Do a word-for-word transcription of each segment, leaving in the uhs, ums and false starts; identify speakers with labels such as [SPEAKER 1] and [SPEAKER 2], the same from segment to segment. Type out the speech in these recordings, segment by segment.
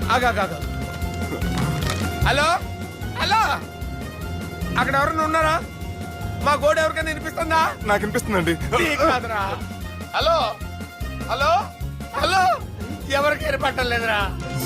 [SPEAKER 1] ఆగా hello hello అక్కడ ఎవరన్నా ఉన్నారా? మా గోడ ఎవరికైనా వినిపిస్తుందా?
[SPEAKER 2] నాకు వినిపిస్తుందండి.
[SPEAKER 1] కాదురా. హలో హలో హలో ఎవరికి ఏర్పట్టలేదురా.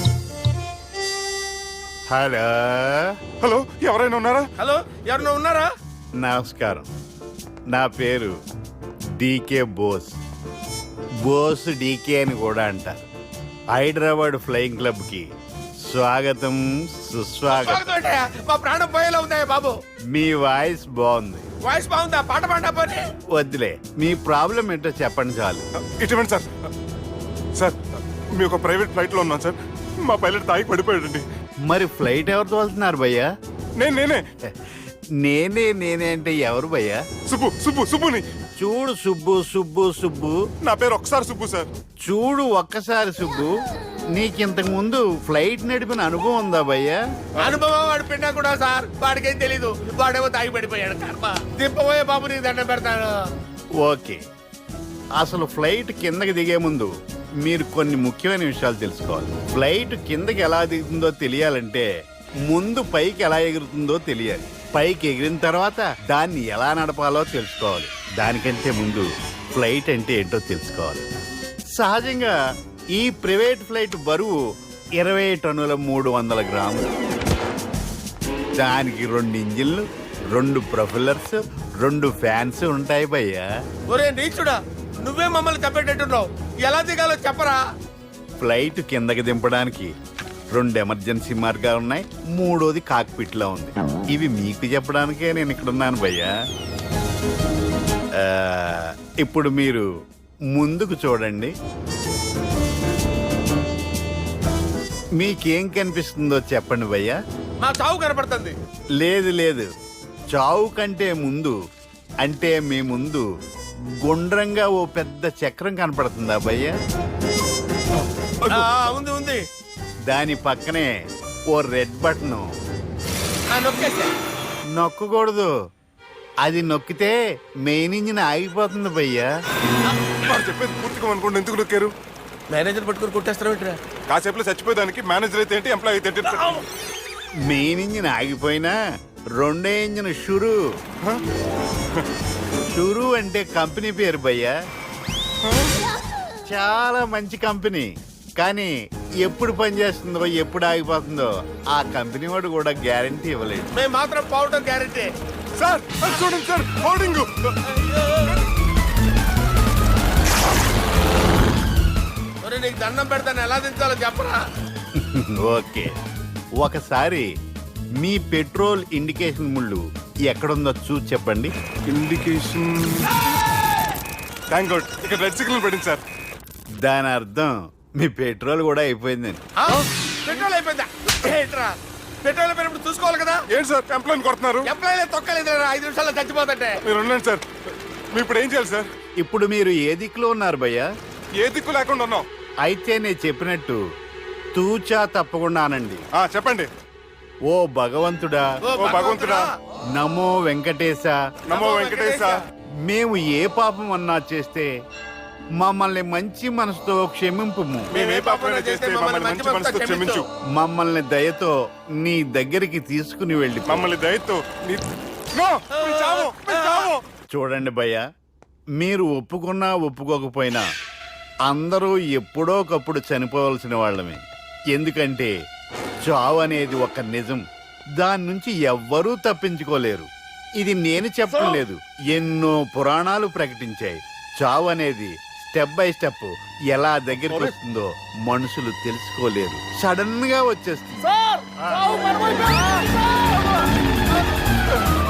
[SPEAKER 3] హలో
[SPEAKER 2] హలో ఎవరైనా ఉన్నారా?
[SPEAKER 1] హలో ఎవరన్నా ఉన్నారా?
[SPEAKER 3] నమస్కారం, నా పేరు డీకే బోస్. బోస్ డీకే అని కూడా అంటారు. హైదరాబాద్ ఫ్లయింగ్ క్లబ్ కి స్వాగతం సుస్వాగతం.
[SPEAKER 1] మా ప్రాణం పోయేలా ఉందా బాబు?
[SPEAKER 3] మీ వాయిస్ బాగుంది.
[SPEAKER 1] వాయిస్ బాగుందా? పాట పాడా పోనీ.
[SPEAKER 3] వద్దులే, మీ ప్రాబ్లం ఏంటో చెప్పండి చాలు.
[SPEAKER 2] ఇటువంటి సార్ సార్ మీ ఒక ప్రైవేట్ ఫ్లైట్ లో ఉన్నాం సార్. మా పైలట్ తాగి పడిపోయాడండి.
[SPEAKER 3] మరి ఫ్లైట్ ఎవరు తోలుతున్నారు భయ్యా?
[SPEAKER 2] నేను నేనే
[SPEAKER 3] నేనే నేనే అంటే ఎవరు భయ్యా?
[SPEAKER 2] సుబ్బు సుబ్బు సుబ్బుని.
[SPEAKER 3] చూడు సుబ్బు సుబ్బు సుబ్బు
[SPEAKER 2] నా పేరు ఒకసారి సుబ్బు సార్.
[SPEAKER 3] చూడు ఒక్కసారి సుబ్బు, నీకింతకు ముందు ఫ్లైట్ నడిపిన అనుభవం ఉందా భయ్యా?
[SPEAKER 1] అనుభవం వాడు పిన్నా కూడా సార్. వాడికేం తెలీదు. వాడేమో తాగి పడిపోయాడు. కర్మ. దింపబోయే బాబు నీకు దండం పెడతాను.
[SPEAKER 3] ఓకే, అసలు ఫ్లైట్ కిందకి దిగే ముందు మీరు కొన్ని ముఖ్యమైన విషయాలు తెలుసుకోవాలి. ఫ్లైట్ కిందకి ఎలా దిగుతుందో తెలియాలంటే ముందు పైకి ఎలా ఎగురుతుందో తెలియాలి. పైకి ఎగిరిన తర్వాత దాన్ని ఎలా నడపాలో తెలుసుకోవాలి. దానికంటే ముందు ఫ్లైట్ అంటే ఏంటో తెలుసుకోవాలి. సహజంగా ఈ ప్రైవేట్ ఫ్లైట్ బరువు ఇరవై టన్నుల మూడు వందల గ్రాములు. దానికి రెండు ఇంజిన్లు, రెండు ప్రొఫెల్లర్స్, రెండు ఫ్యాన్స్ ఉంటాయి భయ్యా.
[SPEAKER 1] ఒరే నీచుడా, నువ్వే మమ్మల్ని తప్పేటట్టున్నావు. ఎలా దిగాలో చెప్పరా?
[SPEAKER 3] ఫ్లైట్ కిందకి దింపడానికి రెండు ఎమర్జెన్సీ మార్గాలు ఉన్నాయి. మూడోది కాక్పిట్ లో ఉంది. ఇవి మీకు చెప్పడానికే నేను ఇక్కడ ఉన్నాను భయ్యా. ఆ, ఇప్పుడు మీరు ముందుకు చూడండి. మీకేం కనిపిస్తుందో చెప్పండి భయ్యా.
[SPEAKER 1] మా చావు కనపడుతుంది.
[SPEAKER 3] లేదు లేదు, చావు కంటే ముందు అంటే మీ ముందు గుండ్రంగా ఓ పెద్ద చక్రం కనపడుతుందా భయ్యా?
[SPEAKER 1] ఆ, ఉంది ఉంది.
[SPEAKER 3] దాని పక్కనే ఓ రెడ్ బటన్.
[SPEAKER 1] ఆ, నొక్కేసా.
[SPEAKER 3] నొక్కకూడదు, అది నొక్కితే మెయిన్ ఇంజిన్ ఆగిపోతుంది భయ్యా.
[SPEAKER 2] వాడు చెప్పేది పూర్తిగా అనుకోండి. ఎందుకు నొక్కారు?
[SPEAKER 1] మేనేజర్ పట్టుకుని కొట్టేస్తారా ఏంట్రా?
[SPEAKER 2] కాసేపులో చచ్చిపోయేదానికి మేనేజర్ అయితే ఏంటి, ఎంప్లాయ్ అయితే ఏంటి?
[SPEAKER 3] మెయిన్ ఇంజిన్ ఆగిపోయినా రెండో ఇంజిన్ షురు. షురు అంటే కంపెనీ పేరు భయ్యా. చాలా మంచి కంపెనీ, కానీ ఎప్పుడు పనిచేస్తుందో ఎప్పుడు ఆగిపోతుందో ఆ కంపెనీ వాడు కూడా గ్యారంటీ ఇవ్వలేదు.
[SPEAKER 1] మేము మాత్రం పోవడం గ్యారంటీ.
[SPEAKER 2] సార్ అది చూడండి సార్, హోర్డింగ్.
[SPEAKER 1] ఒరే నీకు దండం పెడతాను, ఎలా దించాలో చెప్పరా?
[SPEAKER 3] ఓకే, ఒకసారి మీ పెట్రోల్ ఇండికేషన్ ముళ్ళు ఎక్కడుందో చూసి చెప్పండి.
[SPEAKER 2] ఇండికేషన్. థ్యాంక్ గాడ్, ఇక్కడ రెడ్ సిగ్నల్ పడింది సార్.
[SPEAKER 3] దాని అర్థం మీ పెట్రోల్ కూడా అయిపోయిందని.
[SPEAKER 1] ఆ? పెట్రోల్ అయిపోయిందా? ఏంట్రా, పెట్రోల్ అయిపోయినప్పుడు చూసుకోవాలి కదా.
[SPEAKER 2] ఏంటి సార్ ఎంప్లాయ్ కొడుతున్నారు?
[SPEAKER 1] ఎంప్లాయీ తొక్కలేదు. ఐదు నిమిషాల్లో చచ్చిపోతుంటే.
[SPEAKER 2] మీరు ఉండండి సార్. మీరు ఇప్పుడు ఏం చేయాలి సార్?
[SPEAKER 3] ఇప్పుడు మీరు ఏ దిక్కులో ఉన్నారు భయ్యా?
[SPEAKER 2] ఏ దిక్కు లేకుండా ఉన్నాం.
[SPEAKER 3] అయితే నేను చెప్పినట్టు తూచా తప్పకుండా అనండి.
[SPEAKER 2] ఆ, చెప్పండి.
[SPEAKER 3] ఓ భగవంతుడా,
[SPEAKER 1] ఓ
[SPEAKER 2] ఓ భగవంతుడా,
[SPEAKER 3] నమో వెంకటేశ,
[SPEAKER 2] నమో వెంకటేశ.
[SPEAKER 3] మేము ఏ పాపం అన్నా చేస్తే మమ్మల్ని మంచి మనసుతో క్షమింపు.
[SPEAKER 2] మేము ఏ పాపమైనా చేస్తే మమ్మల్ని మంచి మనసుతో క్షమించు.
[SPEAKER 3] మమ్మల్ని దయతో నీ దగ్గరికి తీసుకుని వెళ్ళి
[SPEAKER 2] మమ్మల్ని దయతో నీ- నో, మీ చావు, మీ చావు.
[SPEAKER 3] చూడండి భయ్యా, మీరు ఒప్పుకున్నా ఒప్పుకోకపోయినా అందరూ ఎప్పుడో ఒకప్పుడు చనిపోవలసిన వాళ్ళమే. ఎందుకంటే చావు అనేది ఒక నిజం, దాని నుంచి ఎవ్వరూ తప్పించుకోలేరు. ఇది నేను చెప్పడం లేదు, ఎన్నో పురాణాలు ప్రకటించాయి. చావు అనేది స్టెప్ బై స్టెప్ ఎలా దగ్గరికి వస్తుందో మనుషులు తెలుసుకోలేరు, సడన్ గా వచ్చేస్తుంది.